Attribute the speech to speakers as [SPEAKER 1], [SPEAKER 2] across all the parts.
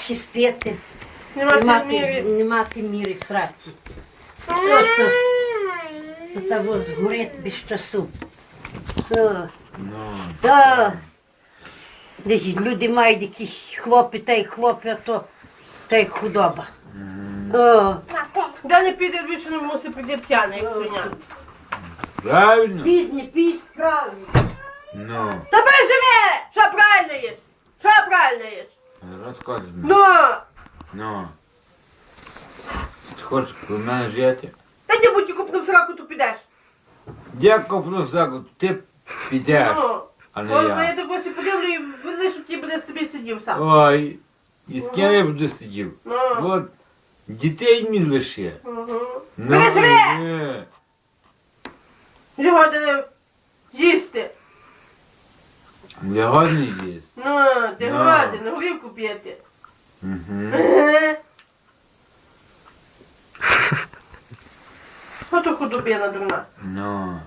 [SPEAKER 1] чистити,
[SPEAKER 2] Нема
[SPEAKER 1] не мати міри сраці. Просто того згорить без часу. Та, десь люди мають якісь хлопи, та й хлопи, а то та й худоба.
[SPEAKER 2] Де не піде двічі, не мусить прийти п'яний, як свиня.
[SPEAKER 3] Правильно?
[SPEAKER 1] Пісь, правильно.
[SPEAKER 3] Ну,
[SPEAKER 2] Та живе! Що правильно їш? Що правильно їш?
[SPEAKER 3] розказуй.
[SPEAKER 2] Ну!
[SPEAKER 3] Ну. Ти хочеш про мене жити?
[SPEAKER 2] Та не будь купнув сраку, то підеш.
[SPEAKER 3] Я куплю заку, ти підеш,
[SPEAKER 2] Ну.
[SPEAKER 3] а не
[SPEAKER 2] Я
[SPEAKER 3] я.
[SPEAKER 2] так ось і подивлю і видно, що ти буде собі сидів сам.
[SPEAKER 3] Ой, і з ким я буду сидів?
[SPEAKER 2] Ну.
[SPEAKER 3] От, дітей мені лише.
[SPEAKER 2] Угу.
[SPEAKER 3] Ну,
[SPEAKER 2] Живе!
[SPEAKER 3] ні.
[SPEAKER 2] Його де їсти.
[SPEAKER 3] Я годний їсть.
[SPEAKER 2] Ну, ти
[SPEAKER 3] Ну.
[SPEAKER 2] голодний, на горівку п'єти.
[SPEAKER 3] Угу.
[SPEAKER 2] Ото худобина дурна.
[SPEAKER 3] Ну.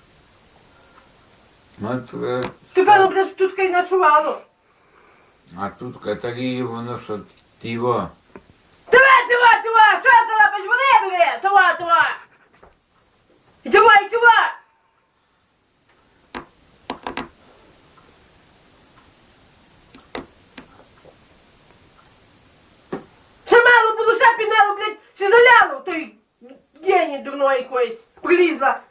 [SPEAKER 3] Ну, то,
[SPEAKER 2] Ти певно будеш тут кай ночувало.
[SPEAKER 3] а тут Каталії, воно що, ти його.
[SPEAKER 2] Тува! Що ти лапиш? Вони бери! Тува! Тува! Ще мало було, ще пінало, блядь, ще заляло той гені дурної якоїсь, прилізла.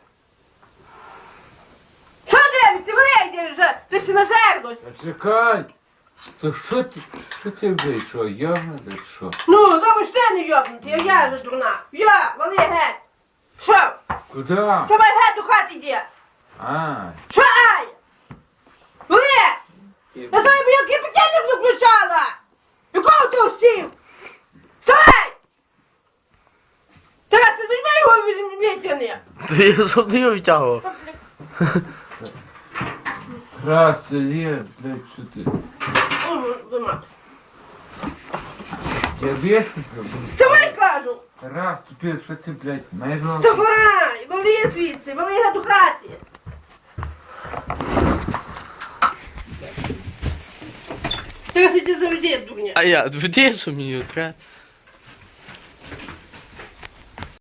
[SPEAKER 2] Що дивишся? Вони йди вже, ти ще нажерлась.
[SPEAKER 3] А чекай! То що ти вийшов? Явно ти що?
[SPEAKER 2] Ну, тому ж ти не йобнутий, а я же дурна. Я, вали геть. Що?
[SPEAKER 3] Куди?
[SPEAKER 2] Давай геть до хати йди.
[SPEAKER 3] А,
[SPEAKER 2] Що ай? Вали! Я знаю, бо як я петельник не включала. Якого ти всів? Вставай! Тарас, ти зузьми його витягни.
[SPEAKER 4] Ти щоб ти його відтягував.
[SPEAKER 3] раз, є, блядь, що ти? Я весь тебе,
[SPEAKER 2] Вставай, кажу!
[SPEAKER 3] раз, тупець, що ти, блядь, маєш руку?
[SPEAKER 2] Вставай! Вали звідси, вали геть до хати. Зараз іди заведи, дурня.
[SPEAKER 4] А я, веди, що мені треба.